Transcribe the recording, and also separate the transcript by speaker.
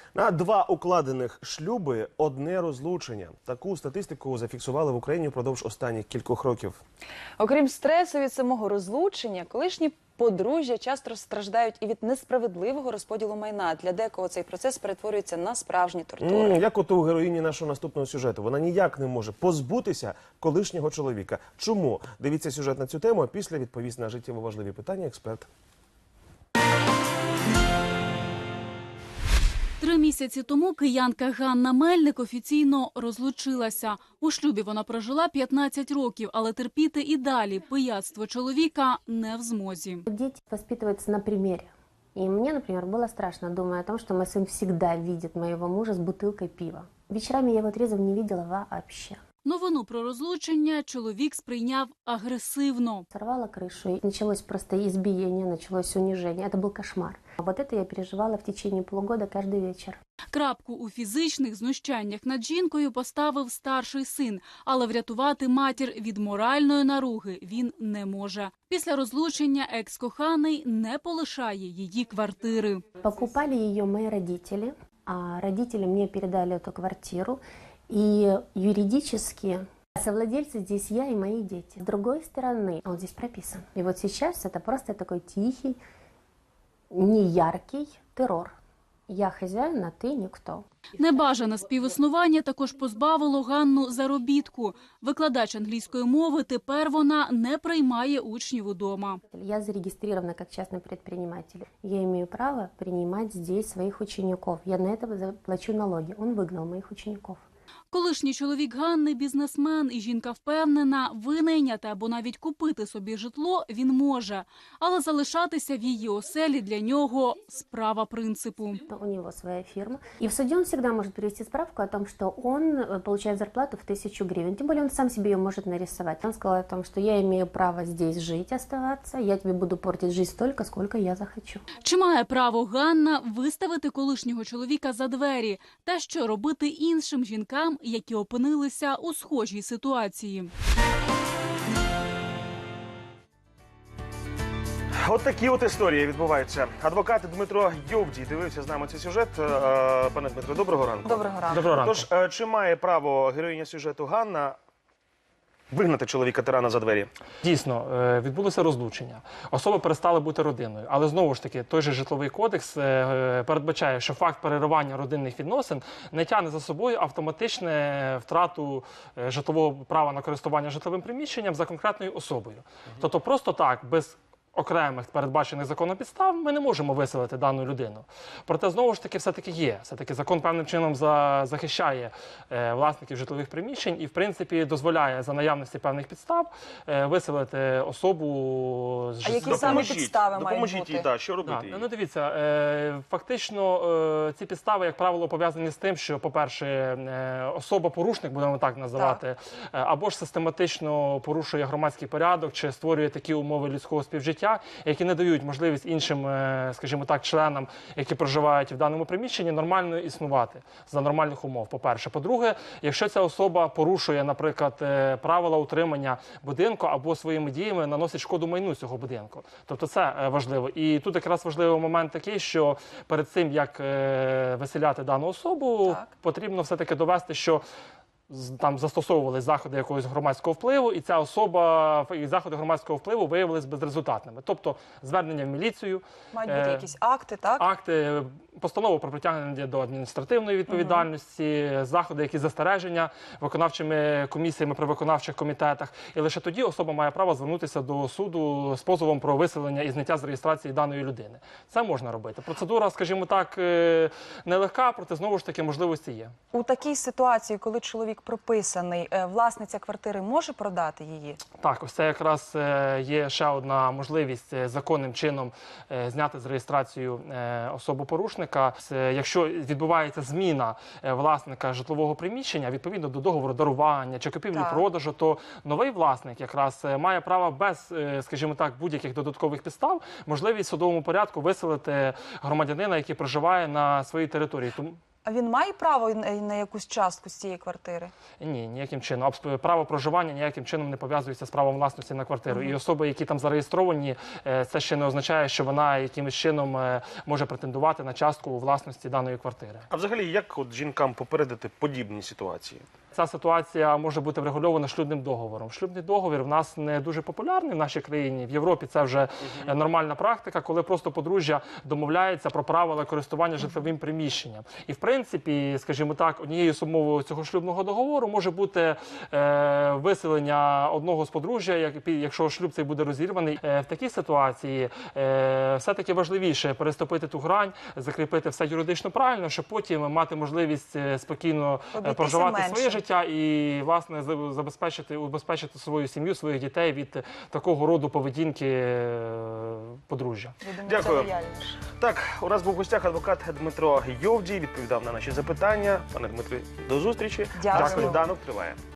Speaker 1: На 2 укладених шлюби – одне розлучення. Таку статистику зафіксували в Україні впродовж останніх кількох років.
Speaker 2: Окрім стресу від самого розлучення, колишні подружжя часто страждають і від несправедливого розподілу майна. Для декого цей процес перетворюється на справжні тортури.
Speaker 1: Як от у героїні нашого наступного сюжету. Вона ніяк не може позбутися колишнього чоловіка. Чому? Дивіться сюжет на цю тему, а після відповість на життєво важливі питання експерт.
Speaker 3: 3 місяці тому киянка Ганна Мельник офіційно розлучилася. У шлюбі вона прожила 15 років, але терпіти і далі пияцтво чоловіка не в змозі.
Speaker 4: Дети воспитываются на примере. И мне, например, было страшно, думая о том, что мой сын всегда видит моего мужа с бутылкой пива. Вечерами я его трезвым не видела вообще.
Speaker 3: Новину про розлучення чоловік сприйняв агресивно.
Speaker 4: Сорвала крышу, и началось просто избиение, началось унижение. Это был кошмар. А вот это я переживала в течение полугода каждый вечер.
Speaker 3: Крапку у фізичних знущаннях над жінкою поставив старший син, але врятувати матір від моральної наруги він не може. Після розлучення екс-коханий не полишає її квартири.
Speaker 4: Покупали ее мои родители, а родители мне передали эту квартиру. И юридически совладельцы здесь я и мои дети. С другой стороны, он здесь прописан. И вот сейчас это просто такой тихий, неяркий террор. Я хозяин, а ты никто.
Speaker 3: Небажане співіснування також позбавило Ганну заробітку. Викладач англійської мови, тепер вона не приймає учнів удома.
Speaker 4: Я зарегистрирована как частный предприниматель. Я имею право принимать здесь своих учеников. Я на это плачу налоги. Он выгнал моих учеников.
Speaker 3: Колишній чоловік Ганни – бізнесмен, і жінка впевнена, винайняти або навіть купити собі житло він може. Але залишатися в її оселі для нього – справа принципу.
Speaker 4: У него своя фирма. И в суде он всегда может привести справку о том, что он получает зарплату в 1000 гривен. Тем более он сам себе ее может нарисовать. Он сказал о том, что я имею право здесь жить, оставаться. Я тебе буду портить жизнь столько, сколько я захочу.
Speaker 3: Чи має право Ганна виставити колишнього чоловіка за двері? Та що робити іншим жінкам, які опинилися у схожій ситуації?
Speaker 1: От такі от історії відбуваються. Адвокат Дмитро Йовдій дивився з нами цей сюжет. Пане Дмитро, доброго ранку.
Speaker 2: Доброго ранку.
Speaker 5: Доброго ранку.
Speaker 1: Тож, чи має право героїня сюжету Ганна вигнати чоловіка-тирана за двері?
Speaker 5: Дійсно, відбулося розлучення. Особи перестали бути родиною. Але знову ж таки, той же житловий кодекс передбачає, що факт переривання родинних відносин не тягне за собою автоматичне втрату житлового права на користування житловим приміщенням за конкретною особою. Тобто просто так, без окремих передбачених законом підстав, ми не можемо виселити дану людину. Проте, знову ж таки, все-таки є. Все-таки закон певним чином захищає власників житлових приміщень і, в принципі, дозволяє за наявності певних підстав виселити особу з
Speaker 2: А які
Speaker 5: житлового
Speaker 2: саме підстави мають
Speaker 1: Допоможіть
Speaker 2: бути?
Speaker 1: їй, що робити їй?
Speaker 5: Ну, дивіться, фактично ці підстави, як правило, пов'язані з тим, що, по-перше, особа-порушник, будемо так називати, або ж систематично порушує громадський порядок, чи створює такі умови людського співжиття, які не дають можливість іншим, скажімо так, членам, які проживають в даному приміщенні, нормально існувати за нормальних умов, по-перше. По-друге, якщо ця особа порушує, наприклад, правила утримання будинку або своїми діями наносить шкоду майну цього будинку. Тобто це важливо. І тут якраз важливий момент такий, що перед цим, як виселяти дану особу, потрібно все-таки довести, що там застосовували заходи якогось громадського впливу, і ця особа, і заходи громадського впливу виявилися безрезультатними. Тобто звернення в міліцію,
Speaker 2: Мають бути якісь акти, так?
Speaker 5: акти, постанову про притягнення до адміністративної відповідальності, заходи, які застереження виконавчими комісіями при виконавчих комітетах. І лише тоді особа має право звернутися до суду з позовом про виселення і зняття з реєстрації даної людини. Це можна робити. Процедура, скажімо так, нелегка, проте знову ж таки можливості є.
Speaker 2: У такій ситуації, коли чоловік прописаний, власниця квартири може продати її?
Speaker 5: Так, ось це якраз є ще одна можливість законним чином зняти з реєстрацію особу-порушника. Якщо відбувається зміна власника житлового приміщення, відповідно до договору дарування чи купівлі-продажу, то новий власник якраз має право без, скажімо так, будь-яких додаткових підстав можливість в судовому порядку виселити громадянина, який проживає на своїй території.
Speaker 2: А він має право на якусь частку з цієї квартири?
Speaker 5: Ні, ніяким чином. Право проживання ніяким чином не пов'язується з правом власності на квартиру. І особи, які там зареєстровані, це ще не означає, що вона якимось чином може претендувати на частку у власності даної квартири.
Speaker 1: А взагалі, як от жінкам попередити подібні ситуації?
Speaker 5: Ця ситуація може бути врегульована шлюбним договором. Шлюбний договір в нас не дуже популярний в нашій країні. В Європі це вже нормальна практика, коли просто подружжя домовляється про правила користування житловим приміщенням. І в принципі, скажімо так, однією з умов цього шлюбного договору може бути виселення одного з подружжя, якщо шлюб цей буде розірваний. В такій ситуації все-таки важливіше переступити ту грань, закріпити все юридично правильно, щоб потім мати можливість спокійно проживати своє життя і, власне, убезпечити свою сім'ю, своїх дітей від такого роду поведінки подружжя.
Speaker 1: Дякую. Так, у нас був в гостях адвокат Дмитро Йовдій, відповідав на наші запитання. Пане Дмитре, до зустрічі.
Speaker 2: Дякую.
Speaker 1: Сніданок триває.